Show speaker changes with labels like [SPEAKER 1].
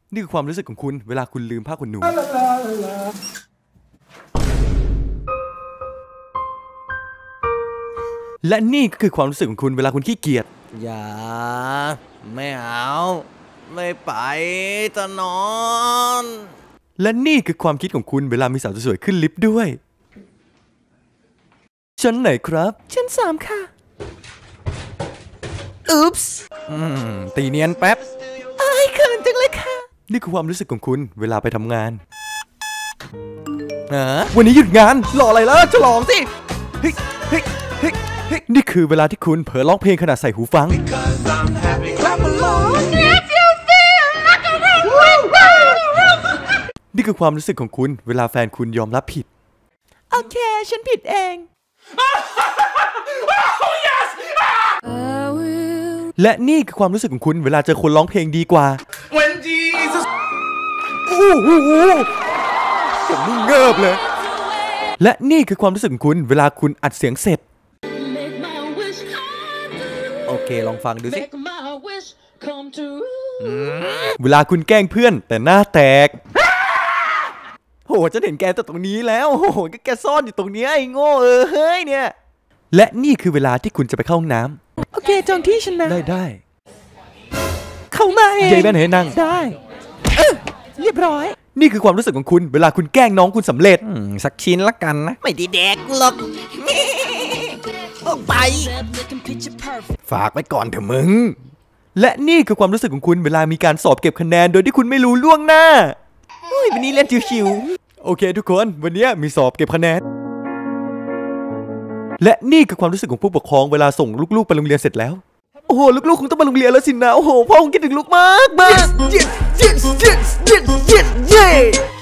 [SPEAKER 1] นี่คือความรู้สึกของคุณเวลาคุณลืมผ้าขนหนูและนี่ก็คือความรู้สึกของคุณเวลาคุณขี้เกียจ
[SPEAKER 2] อย่าไม่เอาไม่ไปจะนอน
[SPEAKER 1] และนี่คือความคิดของคุณเวลามีสาวสวยๆขึ้นลิฟต์ด้วยชั้นไหนครับชั้น3ค่ะอุ๊ปส์
[SPEAKER 2] ตีเนียนแป๊บ
[SPEAKER 1] อายเขินจังเลยค่ะนี่คือความรู้สึกของคุณเวลาไปทำงานวันนี้หยุดงานรออะไรล่ะฉลองสิเฮ้ยเฮ้ยเฮ้ยเฮ้ยนี่คือเวลาที่คุณเผลอร้องเพลงขณะใส่หูฟังนี่คือความรู้สึกของคุณเวลาแฟนคุณยอมรับผิดโอเคฉันผิดเองและนี่คือความรู้สึกของคุณเวลาเจอคนร้องเพลงดีกว่า
[SPEAKER 3] When Jesus
[SPEAKER 1] โอ้โหผมนี่เงิบเลยและนี่คือความรู้สึกของคุณเวลาคุณอัดเสียงเสร็จ
[SPEAKER 2] โอเคลองฟังดูสิ
[SPEAKER 1] เวลาคุณแกล้งเพื่อนแต่หน้าแตกโหจะเห็นแกแต่ตรงนี้แล้วโหก็แกซ่อนอยู่ตรงนี้ไอ้โง่เฮ้ยเนี่ยและนี่คือเวลาที่คุณจะไปเข้าห้องน้ำโอเคจองที่ฉันนะได้เข้ามาเองยายแม่เห็นนั่งได้เรียบร้อยนี่คือความรู้สึกของคุณเวลาคุณแกล้งน้องคุณสำเร็จ
[SPEAKER 2] สักชิ้นละกันนะไม่ได้แดกหรอกออกไป
[SPEAKER 1] ฝากไว้ก่อนเถอะมึงและนี่คือความรู้สึกของคุณเวลามีการสอบเก็บคะแนนโดยที่คุณไม่รู้ล่วงหน้าวันนี้เล่นชิวๆโอเคทุกคนวันนี้มีสอบเก็บคะแนนและนี่คือความรู้สึกของผู้ปกครองเวลาส่งลูกๆไปโรงเรียนเสร็จแล้วโอ้โหลูกๆคงต้องไปโรงเรียนแล้วสินะโอ้โหพ่อคงคิดถึงลูกมาก